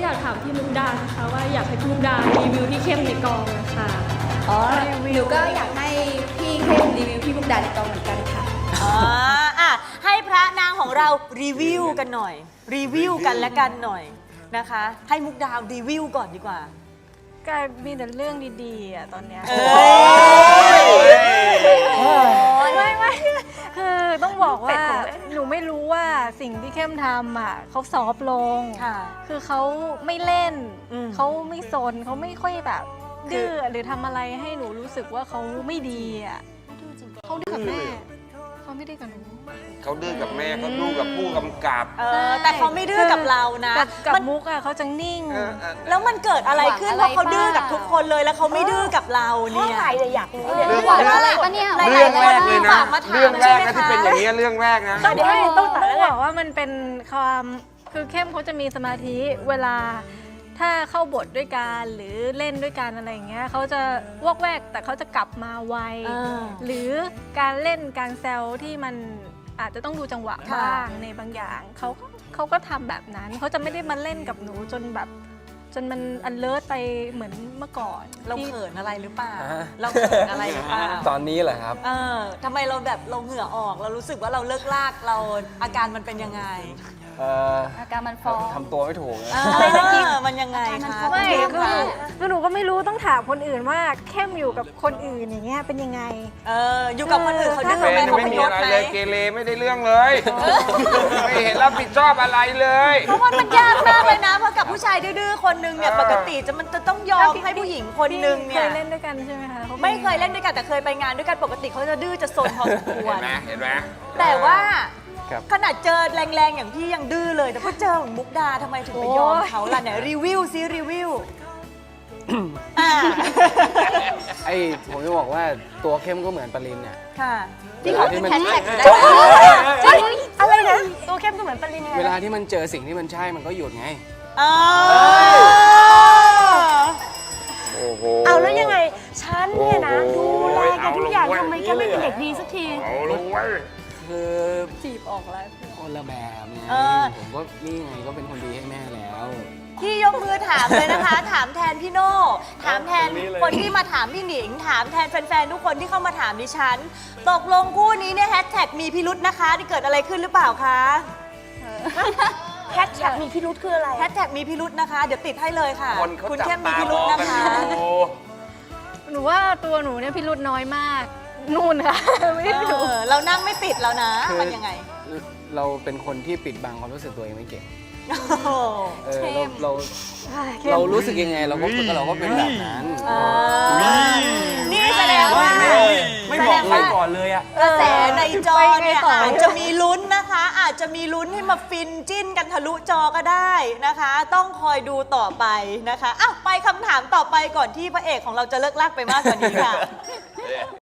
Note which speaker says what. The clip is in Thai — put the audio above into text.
Speaker 1: อยากถามพี่มุกดานะคะว่าอยากให้พี่มุกดารีวิวพี่เข้มในกองนะคะ
Speaker 2: อ๋อหนูก็อยากให้พี่เข้มรีวิวพี่มุกดาในกองเหมือนกันค่ะ
Speaker 3: อ่ะให้พระนางของเรารีวิวกันหน่อย รีวิวกันและกันหน่อยนะคะ ให้มุกดาวรีวิวก่อนดีกว่า
Speaker 4: กลายมีแต่เรื่องดีๆอ่ะตอนเนี้ยไม่คือต้องบอกว่าหนูไม่รู้ว่าสิ่งที่เข้มทำอ่ะเขาซอฟต์ลง
Speaker 3: ค่ะ
Speaker 4: คือเขาไม่เล่น
Speaker 3: เขา
Speaker 4: เขาไม่ซนเขาไม่ค่อยแบบดื้อหรือทำอะไรให้หนูรู้สึกว่าเขาไม่ดีอ่ะเขาดื้อกับแม่เขาไม่ดื้อกับหนู
Speaker 5: เขาดื้อกับแม่เขาดื้อกับผู้กำกับ
Speaker 3: แต่เขาไม่ดื้อกับเรานะ
Speaker 4: กับมุกอ่ะเขาจะนิ่ง
Speaker 3: แล้วมันเกิดอะไรขึ้นเพราะเขาดื้อกับทุกคนเลยแล้วเขาไม่ดื้อกับเราเนี่ย
Speaker 2: อยากรู้เลย
Speaker 5: เรื่อง
Speaker 2: หวังอะไรปะเนี่ย
Speaker 5: เรื่องแรกเลยนะ
Speaker 3: ฝากมาถาม
Speaker 5: เรื่องแรกนะ
Speaker 3: ใช่
Speaker 5: ที่
Speaker 3: ไหมคะ
Speaker 5: เป็นอย่างนี้ยเรื่องแรกนะ
Speaker 4: ต้องบอกว่ามันเป็นความคือเข้มเขาจะมีสมาธิเวลาถ้าเข้าบทด้วยกันหรือเล่นด้วยกันอะไรอย่างเงี้ยเขาจะวอกแวกแต่เขาจะกลับมาไวหรือการเล่นการแซวที่มันอาจจะต้องดูจังหวะบ้างในบางอย่างเขาก็ทำแบบนั้นเขาจะไม่ได้มาเล่นกับหนูจนแบบจนมันอันเลิศไปเหมือนเมื่อก่อน
Speaker 3: เราเขินอะไรหรือเปล่า
Speaker 6: ฮะ
Speaker 3: เราเขินอะไรหรือเปล่า
Speaker 6: ตอนนี้เหรอครับ
Speaker 3: ทำไมเราแบบเราเหงื่อออกเรารู้สึกว่าเราเลิกลากเราอาการมันเป็นยังไง
Speaker 2: อาการมันฟ้อง
Speaker 6: ทำตัวไม่ถูกนะ
Speaker 3: อะไรนะกิ๊กมันยังไงคะ
Speaker 4: ไม่
Speaker 3: คุณเข้ม
Speaker 4: คือหนูก็ไม่รู้ต้องถามคนอื่นว่าเข้มอยู่กับคนอื่นอย่างเงี้ยเป็นยังไง
Speaker 3: อยู่กับคนอื่นเขาดื้อ
Speaker 5: แฟ
Speaker 3: ไหม
Speaker 5: น
Speaker 3: เขา
Speaker 5: ไม่
Speaker 3: พ
Speaker 5: มี
Speaker 3: ยศ
Speaker 5: อะไร
Speaker 3: ไหม
Speaker 5: เลยเกเรไม่ได้เรื่องเลย ไม่เห็นรับผิดชอบอะไรเลย
Speaker 3: เพราะว่ามันยากมากเลยนะเพราะกับผู้ชายดื้อๆคนนึงเนี่ยปกติมันจะต้องยอมให้ผู้หญิงคนนึง
Speaker 4: เค
Speaker 3: เนี่ย
Speaker 4: ยเล่นด้วยกันใช่ไหมคะขาป็น
Speaker 3: ไม่เคยเล่นด้วยกันแต่เคยไปงานด้วยกันปกติเขาจะดื้อจะซนพอสมควร
Speaker 5: เห็นไหม
Speaker 3: แต่ว่า
Speaker 6: ครับ
Speaker 3: ขนาดเจอแรงๆอย่างพี่ยังดื้อเลย แต่พอเจอของมุกดาทำไมถึงไปยอมเขาล่ะเนี่ยรีวิวซิรีวิวอ่า
Speaker 6: ไอ้ผมจะบอกว่าตัวเข้มก็เหมือนปรินเนี่ย
Speaker 3: ค่ะ
Speaker 6: เวลาที่มัน
Speaker 3: อะไรนะตัวเข้มก็เหมือนปริญญา
Speaker 6: เวลาที่มันเจอสิ่งที่มันใช่มันก็หยุดไง
Speaker 5: โอ้โห
Speaker 7: เอาแล้วยังไง ฉันเนี่ยนะ ดูแลแกทุกอย่างทำไมแกไม่เป็นเด็กดีสักที
Speaker 5: เอาลงไว้
Speaker 6: คือ
Speaker 4: จีบออกแล้ว
Speaker 6: คนละแบบไงผมก็นี่ไงก็เป็นคนดีให้แม่แล้ว
Speaker 3: พี่ยกมือถามเลยนะคะ ถามแทนพี่โน่ถามแทนคนที่มาถามพี่หนิง ถามแทนแฟนๆทุกคนที่เข้ามาถามดิฉัน ตกลงคู่นี้เนี่ยแฮชแท็กมีพิรุธนะคะที่เกิดอะไรขึ้นหรือเปล่าคะ
Speaker 7: แฮชแท็กมีพิรุธคืออะไร
Speaker 3: แฮชแท็กมีพิรุธนะคะ เดี๋ยวติดให้เลยค่ะ
Speaker 5: คนเขา
Speaker 3: คุณ
Speaker 5: จับ
Speaker 3: เข้มมี
Speaker 5: ตา
Speaker 3: พิ
Speaker 5: ม
Speaker 3: รุธ
Speaker 5: อง
Speaker 3: นะ
Speaker 5: กัน
Speaker 3: คะ
Speaker 5: อยู่
Speaker 4: หนูว่าตัวหนูเนี่ยพิรุธน้อยมาก นู่นค่ะ ไม่ได้ดู
Speaker 3: เรานั่งไม่ติดแล้วนะ
Speaker 6: คือ
Speaker 3: มันยังไง
Speaker 6: เราเป็นคนที่ปิดบังความรู้สึกตัวเองไม่เก่ง
Speaker 3: โอ้โห
Speaker 6: เรารู้สึกยังไงเราก็เป็นแบบนั้น
Speaker 3: นี่แสดงว่า
Speaker 8: ไม่บอกใครก่อนเลยอะ
Speaker 3: กระแสในจอเนี่ยอาจจะมีลุ้นนะคะ อาจจะมีลุ้นให้มาฟินจิ้นกันทะลุจอก็ได้นะคะ ต้องคอยดูต่อไปนะคะอ้าวไปคำถามต่อไปก่อนที่พระเอกของเราจะเลิกลากไปมากกว่านี้ค่ะ